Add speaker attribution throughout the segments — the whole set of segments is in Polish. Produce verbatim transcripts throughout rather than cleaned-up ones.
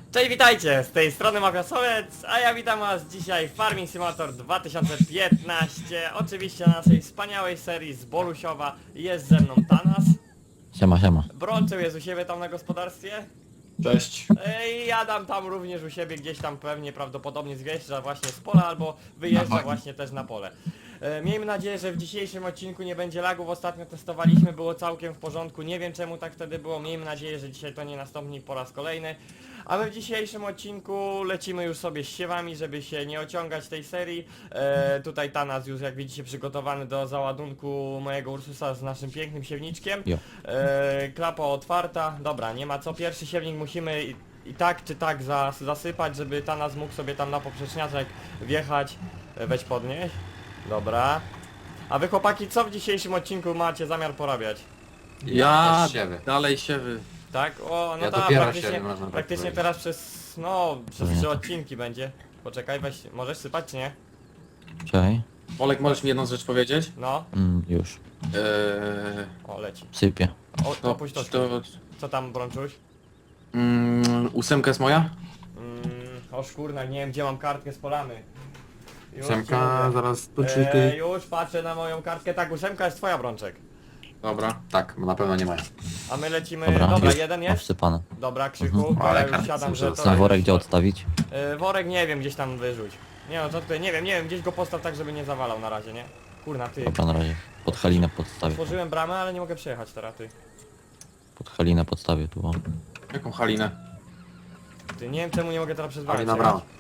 Speaker 1: Cześć, witajcie! Z tej strony Mafiasolec, a ja witam was dzisiaj w Farming Simulator dwa tysiące piętnaście. Oczywiście na naszej wspaniałej serii z Bolusiowa. Jest ze mną Tanas.
Speaker 2: Siema, siema.
Speaker 1: Brączył jest u siebie tam na gospodarstwie.
Speaker 3: Cześć.
Speaker 1: I Adam tam również u siebie gdzieś tam pewnie prawdopodobnie zjeżdża właśnie z pola albo wyjeżdża właśnie też na pole. E, miejmy nadzieję, że w dzisiejszym odcinku nie będzie lagów. Ostatnio testowaliśmy, było całkiem w porządku. Nie wiem czemu tak wtedy było. Miejmy nadzieję, że dzisiaj to nie nastąpi po raz kolejny. A my w dzisiejszym odcinku lecimy już sobie z siewami, żeby się nie ociągać tej serii. E, tutaj Tanas już jak widzicie przygotowany do załadunku mojego Ursusa z naszym pięknym siewniczkiem.
Speaker 2: Jo.
Speaker 1: E, klapa otwarta. Dobra, nie ma co. Pierwszy siewnik musimy i, i tak czy tak zas, zasypać, żeby Tanas mógł sobie tam na poprzeczniaczek wjechać. E, weź podnieść. Dobra. A wy chłopaki, co w dzisiejszym odcinku macie zamiar porabiać?
Speaker 3: Ja
Speaker 4: też siewy.
Speaker 3: dalej siewy.
Speaker 1: Tak? O, no
Speaker 4: Ja
Speaker 1: tak,
Speaker 4: dopiero
Speaker 1: praktycznie,
Speaker 4: siebie, można tak
Speaker 1: praktycznie
Speaker 4: powiedzieć.
Speaker 1: teraz przez, no, przez
Speaker 2: Nie.
Speaker 1: trzy odcinki będzie. Poczekaj, weź, możesz sypać czy nie?
Speaker 2: Czekaj.
Speaker 3: Olek, możesz mi jedną rzecz powiedzieć?
Speaker 1: No,
Speaker 2: Mm, już.
Speaker 3: Eee,
Speaker 1: o leci.
Speaker 2: Sypię.
Speaker 1: O,
Speaker 3: to,
Speaker 1: opuść to,
Speaker 3: to,
Speaker 1: co tam Brączuś?
Speaker 3: mm, ósemka jest moja?
Speaker 1: Mm, o szkurna, nie wiem gdzie mam kartkę z polamy. Już ci
Speaker 4: Ósemka,
Speaker 1: mówię.
Speaker 4: zaraz
Speaker 1: E,
Speaker 4: poczytaj.
Speaker 1: już patrzę na moją kartkę, tak, ósemka jest twoja Brączek.
Speaker 3: Dobra.
Speaker 4: Tak, na pewno nie mają.
Speaker 1: A my lecimy,
Speaker 2: Dobra,
Speaker 1: dobra,
Speaker 2: już
Speaker 1: jeden
Speaker 2: mam
Speaker 1: jest?
Speaker 2: wsypane.
Speaker 1: Dobra, Krzyku,
Speaker 2: Mhm.
Speaker 1: to
Speaker 4: Ale
Speaker 1: ja już
Speaker 4: kartce
Speaker 1: siadam,
Speaker 4: muszę
Speaker 1: że to...
Speaker 4: dostać.
Speaker 2: Na worek gdzie odstawić?
Speaker 1: E, worek nie wiem, gdzieś tam wyrzuć. Nie no, co tutaj, nie wiem, nie wiem, gdzieś go postaw tak, żeby nie zawalał na razie, nie? Kurna, ty.
Speaker 2: Dobra, na razie. Pod halinę podstawię.
Speaker 1: Otworzyłem bramę, ale nie mogę przejechać teraz, ty.
Speaker 2: Pod halinę podstawię tu. O.
Speaker 3: Jaką halinę?
Speaker 1: Ty, nie wiem czemu nie mogę teraz przez bramę
Speaker 4: Ali na
Speaker 1: przejechać.
Speaker 4: bramę.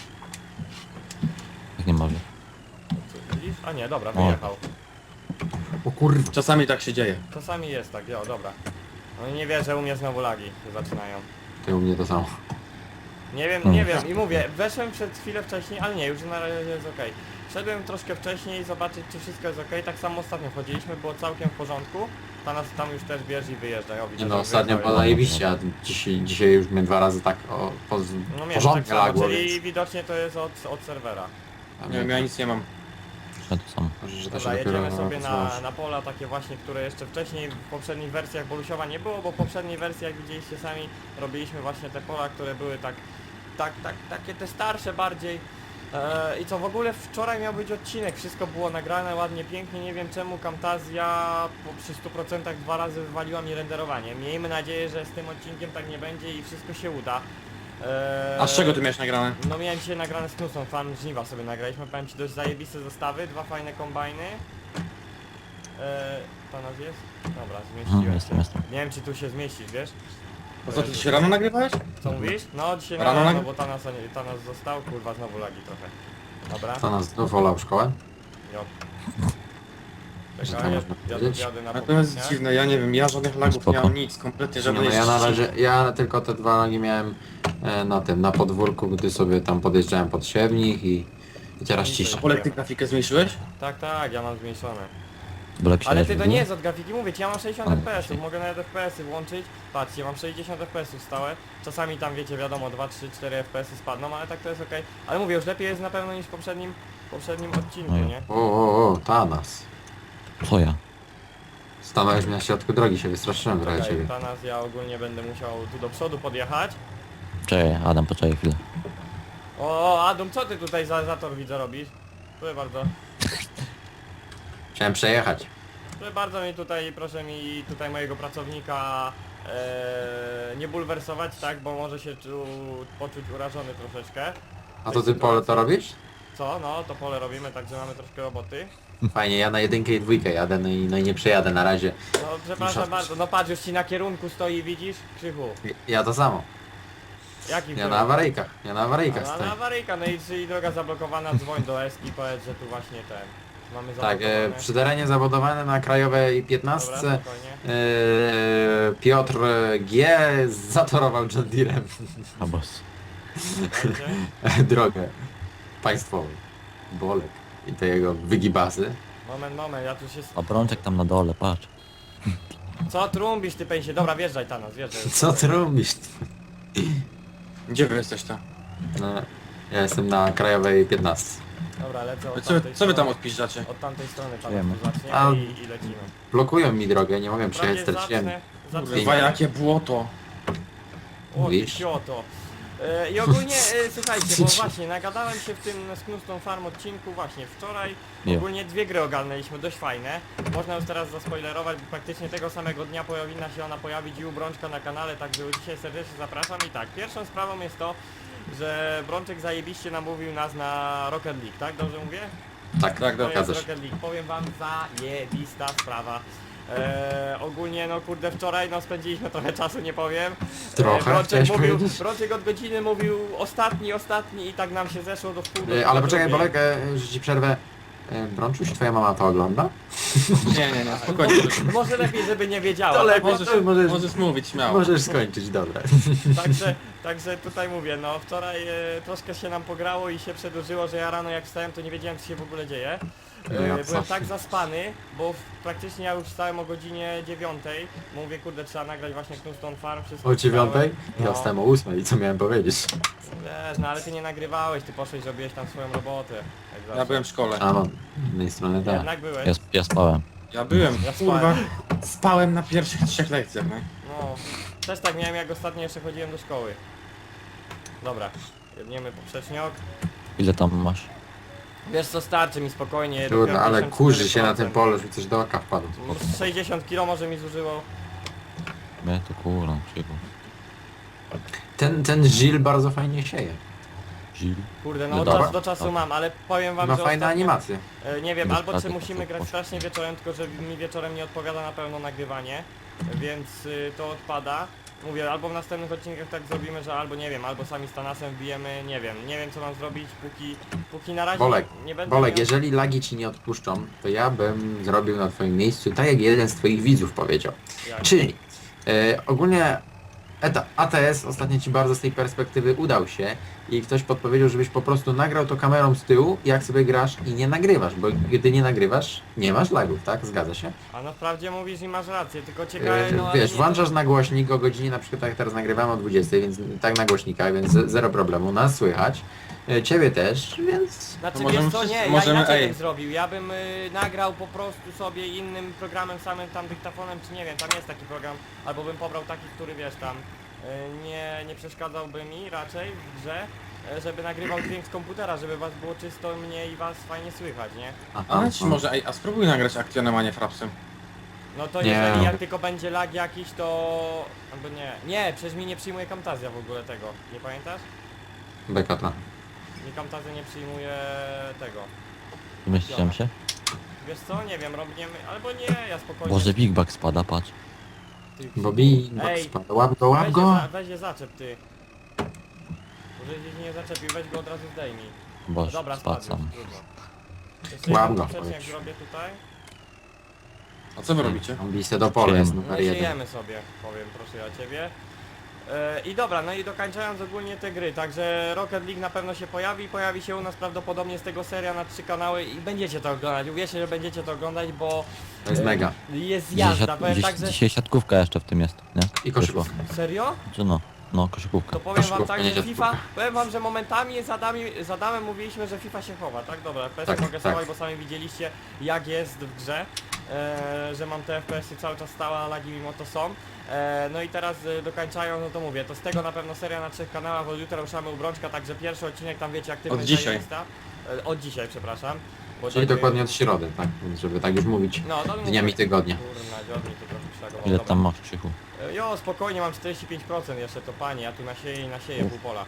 Speaker 2: Jak nie może.
Speaker 1: Widzisz? A nie, dobra,
Speaker 2: O.
Speaker 1: wyjechał.
Speaker 4: O kurwa.
Speaker 3: Czasami tak się dzieje.
Speaker 1: Czasami jest tak, jo, dobra. No i nie wierzę, u mnie znowu lagi się zaczynają.
Speaker 4: Ty u mnie to samo.
Speaker 1: Nie wiem,
Speaker 2: Hmm.
Speaker 1: nie wiem i mówię, weszłem przed chwilę wcześniej, ale nie, już na razie jest okej. Wszedłem troszkę wcześniej zobaczyć czy wszystko jest okej, tak samo ostatnio wchodziliśmy, było całkiem w porządku. Ta nas tam już też bierze i wyjeżdża, o widzę,
Speaker 4: Nie
Speaker 1: że
Speaker 4: no, ostatnio
Speaker 1: wyjechał.
Speaker 4: było zajebiście, a dzisiaj, dzisiaj już mnie dwa razy tak o, po,
Speaker 1: No miałem tak
Speaker 4: porządnie
Speaker 1: samo,
Speaker 4: lagło,
Speaker 1: czyli
Speaker 4: więc...
Speaker 1: widocznie to jest od, od serwera.
Speaker 3: Nie wiem, ja nic nie mam.
Speaker 2: Ja to samo.
Speaker 4: Może, że to
Speaker 1: Dobra,
Speaker 4: się dopiero
Speaker 1: jedziemy sobie na,
Speaker 4: napisało.
Speaker 1: na pola takie właśnie, które jeszcze wcześniej w poprzednich wersjach Bolusiowa nie było, bo w poprzedniej wersji, jak widzieliście sami, robiliśmy właśnie te pola, które były tak, tak, tak, takie te starsze bardziej. Eee, I co w ogóle wczoraj miał być odcinek, wszystko było nagrane ładnie, pięknie, nie wiem czemu Camtasia po, przy stu procentach dwa razy wywaliła mi renderowanie. Miejmy nadzieję, że z tym odcinkiem tak nie będzie i wszystko się uda. Eee,
Speaker 3: A z czego ty miałeś nagrane?
Speaker 1: No miałem dzisiaj nagrane z Knusą, fan żniwa sobie nagraliśmy, powiem ci dość zajebiste zestawy, dwa fajne kombajny. Eee, to nas jest? Dobra,
Speaker 2: Mhm,
Speaker 1: zmieściłem
Speaker 2: jestem,
Speaker 1: się.
Speaker 2: jestem.
Speaker 1: Nie wiem czy tu się zmieścisz, wiesz?
Speaker 3: A co, ty dzisiaj rano nagrywałeś?
Speaker 1: Co mówisz? No dzisiaj
Speaker 3: Rano
Speaker 1: rano, no
Speaker 3: nag-
Speaker 1: bo ta nas, ta nas został, kurwa znowu lagi trochę. Dobra,
Speaker 4: To nas znów wolał szkołę?
Speaker 1: jo.
Speaker 4: Że
Speaker 1: Czekaj,
Speaker 4: to
Speaker 1: ja,
Speaker 4: można
Speaker 1: ja
Speaker 4: powiedzieć?
Speaker 1: jadę na
Speaker 3: A to jest
Speaker 1: poprzedniak.
Speaker 3: dziwne, ja nie wiem, ja żadnych lagów
Speaker 2: Spoko.
Speaker 3: nie mam nic, kompletnie
Speaker 4: Nie,
Speaker 3: żadnej
Speaker 4: no ja na
Speaker 3: ściszy.
Speaker 4: razie, ja tylko te dwa lagi miałem e, na tym, na podwórku, gdy sobie tam podjeżdżałem pod siewnik i, i teraz cisza.
Speaker 3: Olek, ty grafikę zmniejszyłeś?
Speaker 1: Tak, tak, ja mam zmniejszone.
Speaker 2: Bolek się
Speaker 1: Ale
Speaker 2: leży
Speaker 1: ty to
Speaker 2: w
Speaker 1: nie
Speaker 2: dół?
Speaker 1: jest od grafiki, mówię ci, ja mam sześćdziesiąt
Speaker 2: A,
Speaker 1: F P S ów,
Speaker 2: czyli-
Speaker 1: mogę nawet F P S y włączyć. Patrzcie, mam sześćdziesiąt F P S ów stałe. Czasami tam wiecie, wiadomo, dwa, trzy, cztery F P S y spadną, ale tak to jest okej. Ale mówię, już lepiej jest na pewno niż w poprzednim, poprzednim odcinku,
Speaker 2: No ja.
Speaker 1: nie?
Speaker 4: O, o, o, Tanas.
Speaker 2: Co ja?
Speaker 4: Stanąłeś mi na środku drogi, się wystraszyłem trochę
Speaker 1: Czekaj,
Speaker 4: ciebie.
Speaker 1: Tanas, ja ogólnie będę musiał tu do przodu podjechać.
Speaker 2: Czekaj, Adam, poczekaj chwilę.
Speaker 1: O, o, Adam, co ty tutaj za, za tor widzę robisz? Proszę bardzo.
Speaker 4: Chciałem przejechać.
Speaker 1: Proszę bardzo mi tutaj, proszę mi tutaj mojego pracownika e, nie bulwersować, tak, bo może się tu poczuć urażony troszeczkę.
Speaker 4: A to ty pole to robisz?
Speaker 1: Co? No, to pole robimy, także mamy troszkę roboty.
Speaker 4: Fajnie, ja na jedynkę i dwójkę jadę, no i, no i nie przejadę na razie.
Speaker 1: No, przepraszam
Speaker 4: Muszę-
Speaker 1: bardzo, no patrz, już ci na kierunku stoi, widzisz? Krzychu.
Speaker 4: Ja to samo.
Speaker 1: Jaki
Speaker 4: Ja na awaryjkach, ja na awaryjkach
Speaker 1: No, na
Speaker 4: stoję.
Speaker 1: awaryjka, no i czyli droga zablokowana, dzwoń do Eski, powiedz, że tu właśnie ten. Mamy
Speaker 4: Tak,
Speaker 1: zablokowane.
Speaker 4: e, przy terenie zabudowane na krajowej
Speaker 1: Dobra,
Speaker 4: piętnastce
Speaker 1: spokojnie.
Speaker 4: e, Piotr G zatorował John Deerem
Speaker 2: A boss.
Speaker 1: Słuchajcie.
Speaker 4: drogę państwową. Bolek i te jego wygibasy.
Speaker 1: Moment, moment, ja tu się...
Speaker 2: A Brączek tam na dole, patrz.
Speaker 1: Co trumbisz ty pęsie? Dobra, wjeżdżaj Tanas, wjeżdżaj.
Speaker 4: Co ty robisz?
Speaker 3: Gdzie wy jesteś to?
Speaker 4: No, ja jestem na krajowej piętnastce.
Speaker 1: Dobra, lecę od
Speaker 3: Co, wy-
Speaker 1: tamtej
Speaker 3: co wy tam
Speaker 1: strony.
Speaker 3: odpiszczacie?
Speaker 1: Od tamtej strony Tanas
Speaker 2: Wiemy.
Speaker 1: tu zacznie
Speaker 4: A-
Speaker 1: i, i lecimy.
Speaker 4: Blokują mi drogę, nie mogę przejechać,
Speaker 1: Prawie
Speaker 4: straciłem.
Speaker 1: zacznę, zacznę.
Speaker 3: Kurwa, jakie błoto.
Speaker 1: O, ty
Speaker 4: Mówisz?
Speaker 1: sioto. E, I ogólnie, e, słuchajcie, bo właśnie nagadałem się w tym Sknustą Farm odcinku właśnie wczoraj.
Speaker 2: Jo.
Speaker 1: Ogólnie dwie gry ogarnęliśmy, dość fajne. Można już teraz zaspoilerować, bo praktycznie tego samego dnia powinna się ona pojawić i u Brączka na kanale, także już dzisiaj serdecznie zapraszam. I tak, pierwszą sprawą jest to, że Brączek zajebiście namówił nas na Rocket League, tak? Dobrze mówię?
Speaker 4: Tak,
Speaker 3: Tak,
Speaker 1: To jest
Speaker 4: zgadza się.
Speaker 1: Rocket League. Powiem wam, zajebista sprawa. Eee, ogólnie no kurde wczoraj no spędziliśmy trochę czasu, nie powiem.
Speaker 4: Trochę,
Speaker 1: Brączek
Speaker 4: chciałeś
Speaker 1: mówił,
Speaker 4: powiedzieć?
Speaker 1: Brączek od godziny mówił ostatni, ostatni i tak nam się zeszło do wpół do
Speaker 4: E, Ale
Speaker 1: do
Speaker 4: poczekaj,
Speaker 1: drugiej.
Speaker 4: Bolek, e, że ci przerwę. E, Brączuś, twoja mama to ogląda?
Speaker 3: Nie, nie, nie, spokojnie.
Speaker 1: Może lepiej, żeby nie wiedziała.
Speaker 4: To
Speaker 1: tak?
Speaker 4: lepiej.
Speaker 3: Możesz,
Speaker 4: to możesz-
Speaker 3: możesz mówić śmiało.
Speaker 4: Możesz skończyć, dobra.
Speaker 1: Także, także tutaj mówię, no wczoraj e, troszkę się nam pograło i się przedłużyło, że ja rano jak wstałem to nie wiedziałem co się w ogóle dzieje.
Speaker 4: No ja
Speaker 1: E,
Speaker 4: co?
Speaker 1: byłem tak zaspany, bo w, praktycznie ja już wstałem o godzinie dziewiątej. Mówię kurde trzeba nagrać właśnie Knuston Farm, wszystko
Speaker 4: O dziewiątej?
Speaker 1: No.
Speaker 4: Ja wstałem o ósmej i co miałem powiedzieć?
Speaker 1: Wiesz, no ale ty nie nagrywałeś, ty poszłeś, robiłeś tam swoją robotę. Jak zawsze.
Speaker 3: Ja byłem w szkole.
Speaker 4: A no, z jednej strony tak.
Speaker 1: Jednak byłeś.
Speaker 2: Ja, ja spałem.
Speaker 3: Ja byłem,
Speaker 1: Ja
Speaker 3: kurwa.
Speaker 1: spałem.
Speaker 3: Spałem na pierwszych trzech lekcjach, nie?
Speaker 1: No, też tak miałem jak ostatnio jeszcze chodziłem do szkoły. Dobra, jedniemy poprzeczniok.
Speaker 2: Ile tam masz?
Speaker 1: Wiesz co, starczy mi spokojnie.
Speaker 4: Trudno,
Speaker 1: robiłem
Speaker 4: ale
Speaker 1: pięćdziesiąt
Speaker 4: kurzy się na
Speaker 1: cztery
Speaker 4: tym polu, że mi coś do oka wpadło.
Speaker 1: procent. sześćdziesiąt kilo może mi zużyło.
Speaker 2: Mnie to kurwa, cicho.
Speaker 4: Ten, ten Żil bardzo fajnie sieje.
Speaker 2: Zil.
Speaker 1: Kurde, no
Speaker 2: No
Speaker 1: od
Speaker 4: dobra.
Speaker 1: czasu do czasu
Speaker 2: Tak.
Speaker 1: mam, ale powiem wam,
Speaker 4: Ma
Speaker 1: że
Speaker 4: fajne
Speaker 1: ostatnio,
Speaker 4: animacje.
Speaker 1: e, nie wiem,
Speaker 2: Bez
Speaker 1: albo czy
Speaker 2: pracy
Speaker 1: musimy
Speaker 2: to
Speaker 1: grać
Speaker 2: poszło.
Speaker 1: strasznie wieczorem, tylko że mi wieczorem nie odpowiada na pewno nagrywanie, więc y, to odpada. Mówię, albo w następnych odcinkach tak zrobimy, że albo nie wiem, albo sami z Tanasem wbijemy, nie wiem, nie wiem co mam zrobić, póki, póki na razie
Speaker 4: Bolek,
Speaker 1: nie, nie będę
Speaker 4: Bolek,
Speaker 1: miał...
Speaker 4: jeżeli lagi ci nie odpuszczą, to ja bym zrobił na twoim miejscu tak jak jeden z twoich widzów powiedział.
Speaker 1: Jak?
Speaker 4: Czyli e, ogólnie eta, A T S ostatnio ci bardzo z tej perspektywy udał się i ktoś podpowiedział, żebyś po prostu nagrał to kamerą z tyłu, jak sobie grasz i nie nagrywasz, bo gdy nie nagrywasz, nie masz lagów, tak? Zgadza się?
Speaker 1: A no wprawdzie mówisz i masz rację, tylko ciekawe,
Speaker 4: E,
Speaker 1: no ale
Speaker 4: wiesz,
Speaker 1: nie,
Speaker 4: włączasz na głośnik o godzinie, na przykład tak jak teraz nagrywamy o dwudziestej, więc tak na głośnikach, więc ze- zero problemu, nas słychać, e, ciebie też, więc
Speaker 1: Znaczy
Speaker 3: To możemy
Speaker 1: wiesz co,
Speaker 3: wszyscy-
Speaker 1: nie, ja
Speaker 3: możemy-
Speaker 1: inaczej
Speaker 3: ej.
Speaker 1: bym zrobił, ja bym y, nagrał po prostu sobie innym programem, samym tam dyktafonem, czy nie wiem, tam jest taki program, albo bym pobrał taki, który wiesz tam y, nie, nie przeszkadzałby mi raczej w grze, y, żeby nagrywał dźwięk z komputera, żeby was było czysto mnie i was fajnie słychać, nie?
Speaker 3: A ci może, ej, a spróbuj nagrać Actionem, a nie Frapsem.
Speaker 1: No to
Speaker 4: Nie.
Speaker 1: jeżeli jak tylko będzie lag jakiś, to... albo nie, nie, przecież mi nie przyjmuje Camtasia w ogóle tego, nie pamiętasz?
Speaker 4: bekota.
Speaker 1: Mi Camtasia nie przyjmuje tego.
Speaker 2: Wymyśliłem się?
Speaker 1: Wiesz co, nie wiem, robimy, albo nie, ja spokojnie...
Speaker 2: Boże, Big Bag spada, patrz.
Speaker 1: Ty-
Speaker 4: Bobby,
Speaker 1: Ej,
Speaker 4: spada, łap go, łap
Speaker 1: Weź
Speaker 4: go!
Speaker 1: je, za, weź je zaczep ty. Może gdzieś nie zaczepił, weź go od razu zdejmij. No
Speaker 2: Boże,
Speaker 1: dobra,
Speaker 2: spadł
Speaker 1: spadł,
Speaker 2: sam.
Speaker 1: już, trudno. Jeszcze
Speaker 4: Łap
Speaker 1: jeden
Speaker 4: go,
Speaker 1: poprzecznik jak
Speaker 4: powiedz.
Speaker 1: zrobię tutaj.
Speaker 3: A co wy robicie?
Speaker 4: Ambisję do pola jest
Speaker 2: Siema.
Speaker 4: numer
Speaker 1: No
Speaker 4: jeden.
Speaker 1: siejemy sobie, powiem, proszę ja ciebie. E, I dobra, no i dokończając ogólnie te gry, także Rocket League na pewno się pojawi, pojawi się u nas prawdopodobnie z tego seria na trzy kanały i będziecie to oglądać, uwierzcie, że będziecie to oglądać, bo
Speaker 4: To jest
Speaker 1: e,
Speaker 4: mega.
Speaker 1: jest
Speaker 2: Dzisiaj,
Speaker 1: jazda,
Speaker 2: siat,
Speaker 1: powiem
Speaker 2: dziś,
Speaker 1: tak, że...
Speaker 2: dzisiaj siatkówka jeszcze w tym jest, nie?
Speaker 4: I koszykówka.
Speaker 1: Serio?
Speaker 2: Czy no? No, koszykówka.
Speaker 1: To powiem wam
Speaker 4: Koszykówka,
Speaker 1: tak,
Speaker 4: nie
Speaker 1: że
Speaker 4: siatkówka.
Speaker 1: FIFA, powiem wam, że momentami z, Adami, z Adamem mówiliśmy, że FIFA się chowa, tak? Dobra, F P S-y
Speaker 4: Tak,
Speaker 1: mogę
Speaker 4: tak.
Speaker 1: schować, bo sami widzieliście jak jest w grze, e, że mam te F P S-y cały czas stałe, a lagi mimo to są. E, no i teraz e, dokańczają, no to mówię, to z tego na pewno seria na trzech kanałach, od jutra ruszamy u Brączka, także pierwszy odcinek tam wiecie aktywność
Speaker 3: Od dzisiaj.
Speaker 1: zajebista. E, od dzisiaj, przepraszam. Bo
Speaker 4: Czyli
Speaker 1: tak,
Speaker 4: dokładnie od środy, tak? Więc żeby tak już mówić
Speaker 1: no, to
Speaker 4: dniami
Speaker 1: mówię.
Speaker 4: tygodnia.
Speaker 1: Kurna, dziobni to trochę przereagował.
Speaker 2: Ile
Speaker 1: Dobra.
Speaker 2: tam masz, Krzychu?
Speaker 1: E, Jo, spokojnie, mam czterdzieści pięć procent jeszcze, to panie, ja tu nasieję i nasieję pół pola.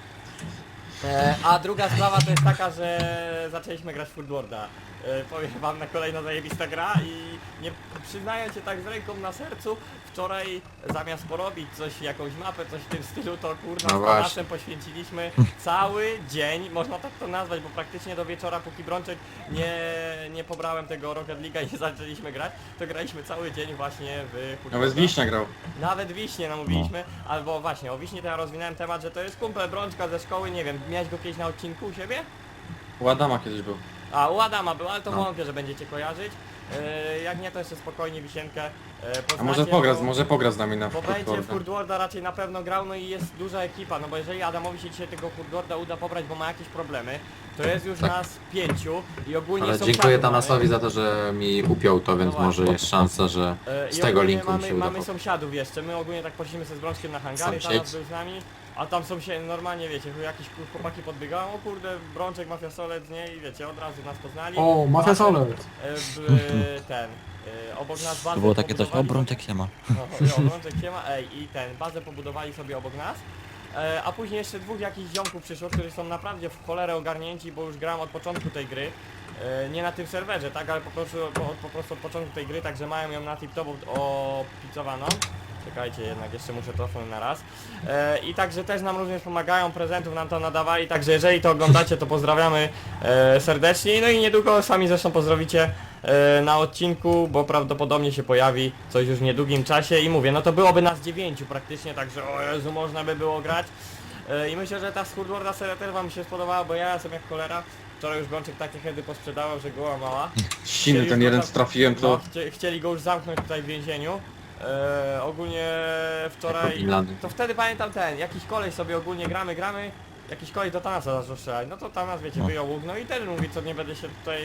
Speaker 1: E, a druga sprawa to jest taka, że zaczęliśmy grać w Food Worlda. E, powiem wam, na kolejna zajebista gra i nie przyznając się tak z ręką na sercu, wczoraj zamiast porobić coś, jakąś mapę, coś w tym stylu, to kurna
Speaker 4: No
Speaker 1: z
Speaker 4: właśnie.
Speaker 1: Tanasem poświęciliśmy cały dzień, można tak to nazwać, bo praktycznie do wieczora, póki Brączek nie, nie pobrałem tego Rocket League'a i nie zaczęliśmy grać, to graliśmy cały dzień właśnie w Food
Speaker 3: Nawet
Speaker 1: Worlda.
Speaker 3: Wiśnia grał.
Speaker 1: Nawet Wiśnie namówiliśmy, albo właśnie o Wiśnie to ja rozwinąłem temat, że to jest kumpel Brączka ze szkoły, nie wiem, miałeś go kiedyś na odcinku u siebie?
Speaker 3: U Adama kiedyś był.
Speaker 1: A u Adama był, ale to
Speaker 4: No.
Speaker 1: wątpię, że będziecie kojarzyć. Yy, jak nie, to jeszcze spokojnie Wisienkę yy, poznacie,
Speaker 3: A może pogra,
Speaker 1: bo,
Speaker 3: może pogra z nami na
Speaker 1: bo będzie w
Speaker 3: Footworlda.
Speaker 1: Hurdworlda raczej na pewno grał, no i jest duża ekipa, no bo jeżeli Adamowi się dzisiaj tego Hurdworlda uda pobrać, bo ma jakieś problemy, to jest już
Speaker 4: Tak.
Speaker 1: nas pięciu i ogólnie
Speaker 4: Ale
Speaker 1: sąsiadów
Speaker 4: dziękuję
Speaker 1: mamy.
Speaker 4: Tanasowi za to, że mi upiął to, więc
Speaker 1: No
Speaker 4: może
Speaker 1: właśnie.
Speaker 4: jest szansa, że
Speaker 1: E,
Speaker 4: z
Speaker 1: i
Speaker 4: tego
Speaker 1: ogólnie
Speaker 4: linku mi
Speaker 1: mamy,
Speaker 4: się uda.
Speaker 1: mamy sąsiadów jeszcze, my ogólnie tak poszliśmy ze z Brączkiem na hangary,
Speaker 4: Sąsiedzi.
Speaker 1: Tanas był z nami. A tam są się normalnie, wiecie, jakieś kur- chłopaki podbiegają, o kurde, Brączek, Mafia Solec, nie? I wiecie, od razu nas poznali.
Speaker 4: O, Mafia
Speaker 1: Bazę,
Speaker 4: Solec!
Speaker 1: e, b- ten, e, obok nas bazę
Speaker 2: To było takie coś, o
Speaker 1: pobudowali
Speaker 2: Brączek się ma.
Speaker 1: sobie- No, o, Brączek się ma, ej, i ten, bazę pobudowali sobie obok nas. E, a później jeszcze dwóch jakichś ziomków przyszło, którzy są naprawdę w cholerę ogarnięci, bo już gram od początku tej gry. E, nie na tym serwerze, tak, ale po prostu, po, po prostu od początku tej gry, także mają ją na tip-top opicowaną. Czekajcie, jednak jeszcze muszę cofnąć na raz. E, I także też nam również pomagają, prezentów nam to nadawali, także jeżeli to oglądacie, to pozdrawiamy e, serdecznie. No i niedługo sami zresztą pozdrowicie e, na odcinku, bo prawdopodobnie się pojawi coś już w niedługim czasie i mówię, no to byłoby nas dziewięciu praktycznie, także o Jezu, można by było grać. E, I myślę, że ta Skurdworda seria też wam się spodobała, bo ja jestem jak cholera. Wczoraj już Brączek takie hedy posprzedawał, że goła mała.
Speaker 3: Siny,
Speaker 1: Chcieli
Speaker 3: ten
Speaker 1: go
Speaker 3: jeden
Speaker 1: tam-
Speaker 3: co trafiłem
Speaker 1: No,
Speaker 3: to...
Speaker 1: chcie, chcieli go już zamknąć tutaj w więzieniu. E, ogólnie wczoraj...
Speaker 4: Finlandy.
Speaker 1: To wtedy pamiętam ten, jakiś koleś sobie ogólnie gramy, gramy. Jakiś koleś do Tanasa zaczął strzelać. No to Tanas, wiecie,
Speaker 2: No.
Speaker 1: wyjął łuk, no i też mówi, co nie będę się tutaj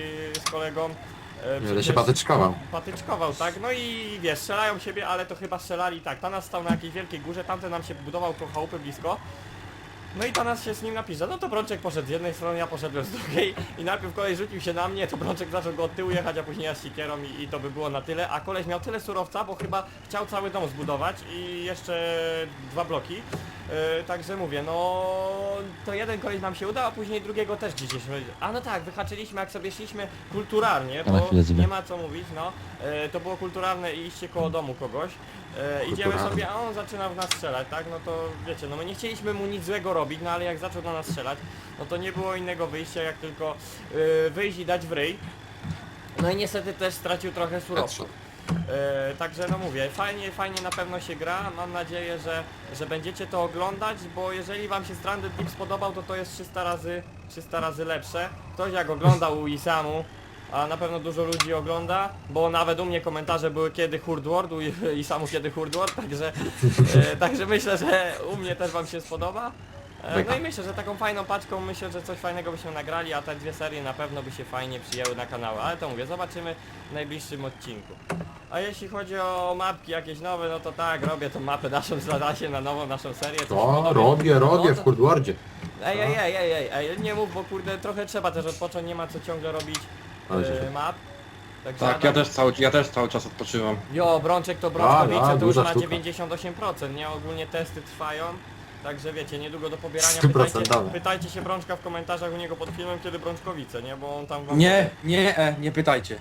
Speaker 1: z kolegą... E,
Speaker 4: Będę
Speaker 1: przecież
Speaker 4: się patyczkował.
Speaker 1: patyczkował, tak? No i wiesz, strzelają siebie, ale to chyba strzelali tak. Tanas stał na jakiejś wielkiej górze, tamten nam się budował koło chałupy blisko. No i Tanas się z nim napisze, no to Brączek poszedł z jednej strony, ja poszedłem z drugiej i najpierw koleś rzucił się na mnie, to Brączek zaczął go od tyłu jechać, a później ja z sikierą i, i to by było na tyle, a koleś miał tyle surowca, bo chyba chciał cały dom zbudować i jeszcze dwa bloki. Yy, także mówię, no to jeden koleś nam się udał, a później drugiego też gdzieś. A no tak, wyhaczyliśmy jak sobie szliśmy kulturalnie,
Speaker 2: Ja na
Speaker 1: bo
Speaker 2: chwilę zjebę.
Speaker 1: nie ma co mówić, no. Yy, to było kulturalne iście koło domu kogoś. E, idziemy
Speaker 4: Kulturalne.
Speaker 1: sobie, a on zaczyna w nas strzelać, tak? No to wiecie, no my nie chcieliśmy mu nic złego robić, no ale jak zaczął na nas strzelać, no to nie było innego wyjścia jak tylko y, wyjść i dać w ryj. No i niestety też stracił trochę surowców. E, także no mówię, fajnie, fajnie na pewno się gra, mam nadzieję, że, że będziecie to oglądać, bo jeżeli wam się Stranded Deep spodobał, to to jest trzysta razy, trzysta razy lepsze. Ktoś jak oglądał u Isamu, a na pewno dużo ludzi ogląda, bo nawet u mnie komentarze były kiedy Horde World, u Isamu kiedy Horde World, także, e, także myślę, że u mnie też wam się spodoba. E, no i myślę, że taką fajną paczką, myślę, że coś fajnego byśmy nagrali, a te dwie serie na pewno by się fajnie przyjęły na kanały, ale to mówię, zobaczymy w najbliższym odcinku. A jeśli chodzi o mapki jakieś nowe, no to tak, robię tą mapę naszą zadacie na nową naszą serię. coś
Speaker 4: O,
Speaker 1: podobnie.
Speaker 4: robię, robię
Speaker 1: No
Speaker 4: w
Speaker 1: to-
Speaker 4: Hurdwardzie.
Speaker 1: Ej, ej, ej, ej, ej, ej, nie mów, bo kurde, trochę trzeba też odpocząć, nie ma co ciągle robić
Speaker 4: Ale się-
Speaker 1: e, map. Także
Speaker 3: Tak, ja też cały, ja też cały czas odpoczywam.
Speaker 1: Jo, Brączek to
Speaker 4: A,
Speaker 1: Brączkowice,
Speaker 4: a,
Speaker 1: to już
Speaker 4: duża
Speaker 1: na
Speaker 4: sztuka.
Speaker 1: dziewięćdziesiąt osiem procent, nie? Ogólnie testy trwają. Także wiecie, niedługo do pobierania. Pytajcie,
Speaker 4: Stuprocentowe.
Speaker 1: pytajcie się Brączka w komentarzach u niego pod filmem, kiedy Brączkowice, nie? Bo on tam wam
Speaker 3: Nie, nie, e, nie pytajcie.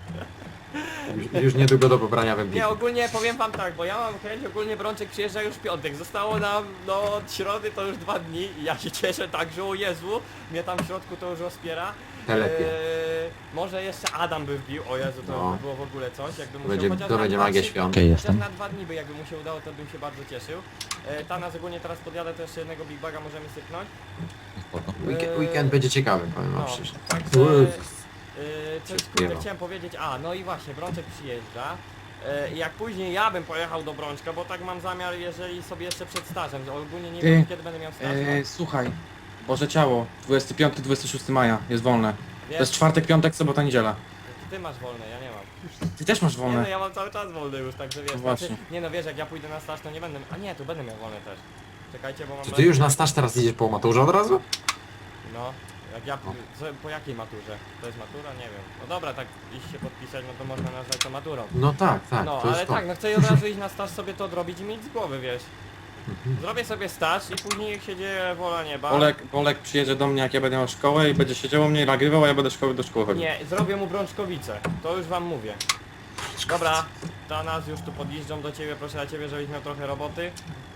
Speaker 4: Już, już niedługo do pobrania wędki.
Speaker 1: Nie, ogólnie powiem wam tak, bo ja mam chęć, ogólnie Brączek przyjeżdża już w piątek. Zostało nam, no od środy to już dwa dni i ja się cieszę tak, że o Jezu, mnie tam w środku to już rozpiera.
Speaker 4: Telepie.
Speaker 1: Eee, może jeszcze Adam by wbił, o Jezu, to
Speaker 4: No.
Speaker 1: by było w ogóle coś, jakby mu się
Speaker 4: Będzie-
Speaker 1: chociaż
Speaker 4: to
Speaker 1: na
Speaker 4: będzie
Speaker 1: dwa,
Speaker 4: magia
Speaker 1: trzy-
Speaker 4: świąt.
Speaker 2: Okej,
Speaker 1: Chociaż
Speaker 2: jestem.
Speaker 1: na dwa dni by jakby mu się udało, to bym się bardzo cieszył. E, Tanas ogólnie teraz podjadę, to jeszcze jednego Big Baga możemy sypnąć.
Speaker 2: Spoko.
Speaker 4: Weekend, weekend będzie ciekawy, powiem wam
Speaker 1: No,
Speaker 4: szczerze.
Speaker 1: także...
Speaker 4: Uff.
Speaker 1: Yy, coś
Speaker 4: Wszystko
Speaker 1: kurde,
Speaker 4: jeba.
Speaker 1: chciałem powiedzieć, a no i właśnie, Brączek przyjeżdża. Yy, jak później ja bym pojechał do Brączka, bo tak mam zamiar, jeżeli sobie jeszcze przed stażem, ogólnie nie
Speaker 3: Ty,
Speaker 1: wiem kiedy będę miał staż, no.
Speaker 3: E, słuchaj, Boże Ciało, dwudziestego piątego do dwudziestego szóstego maja jest wolne. To
Speaker 1: Wiesz,
Speaker 3: jest czwartek, piątek, sobota, niedziela.
Speaker 1: ty masz wolne, ja nie mam.
Speaker 3: Ty też masz
Speaker 1: Nie no,
Speaker 3: wolne.
Speaker 1: ja mam cały czas wolny już, także wiesz,
Speaker 3: No
Speaker 1: znaczy,
Speaker 3: właśnie.
Speaker 1: nie no wiesz, jak ja pójdę na staż, to nie będę, a nie, tu będę miał wolne też. Czekajcie, bo mam...
Speaker 4: Czy ty już na staż teraz idziesz po maturze od razu?
Speaker 1: No, jak ja, co, po jakiej maturze? To jest matura? Nie wiem. No dobra, tak iść się podpisać, no to można nazwać to maturą.
Speaker 4: No tak, tak,
Speaker 1: No,
Speaker 4: to jest
Speaker 1: ale
Speaker 4: to.
Speaker 1: tak, no chcę od razu iść na staż sobie to odrobić i mieć z głowy, wiesz.
Speaker 4: Mhm.
Speaker 1: Zrobię sobie staż i później jak się dzieje wola nieba.
Speaker 3: Bolek, Bolek przyjedzie do mnie, jak ja będę miał szkołę i będzie siedział u mnie i nagrywał, a ja będę szkoły do szkoły chodził.
Speaker 1: Nie, zrobię mu Brączkowice, to już wam mówię. Dobra, to nas już tu podjeżdżam do ciebie, proszę na ciebie, żebyś miał trochę roboty.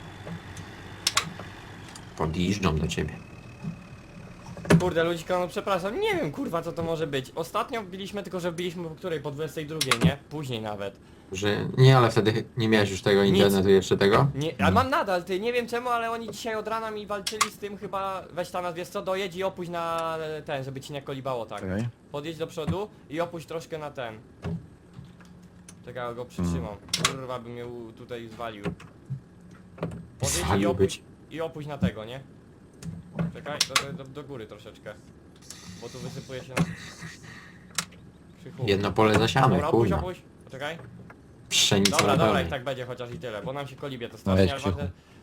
Speaker 4: Podjeżdżam do ciebie.
Speaker 1: Kurde, ludzika, no przepraszam, nie wiem kurwa co to może być. Ostatnio wbiliśmy, tylko że wbiliśmy po której? Po dwudziestej drugiej, nie? Później nawet.
Speaker 4: Że nie, ale wtedy nie miałeś już tego
Speaker 1: Nic.
Speaker 4: internetu jeszcze tego?
Speaker 1: Nie, ale mam nadal, ty, nie wiem czemu, ale oni dzisiaj od rana mi walczyli z tym chyba, weź tam, wiesz co, dojedź i opuść na e, ten, żeby ci nie kolibało tak.
Speaker 2: Czekaj.
Speaker 1: Podjedź do przodu i opuść troszkę na ten. Czekaj, go przytrzymam. Kurwa by mnie u- tutaj zwalił. Podjedź i
Speaker 4: Zwalił
Speaker 1: opuść,
Speaker 4: być.
Speaker 1: i opuść na tego, nie? Czekaj, do, do, do góry troszeczkę. Bo tu wysypuje się na... Krzychu.
Speaker 4: Jedno pole zasiane,
Speaker 1: Dobra, opuść,
Speaker 4: kurwa.
Speaker 1: opuść. Czekaj.
Speaker 4: Pszenica
Speaker 1: Dobra,
Speaker 4: na
Speaker 1: dobra,
Speaker 4: pełnej.
Speaker 1: i tak będzie chociaż i tyle, bo nam się kolibie to
Speaker 2: No
Speaker 1: strasznie,
Speaker 2: jedź,
Speaker 1: ale
Speaker 2: Krzychu.
Speaker 1: ważne,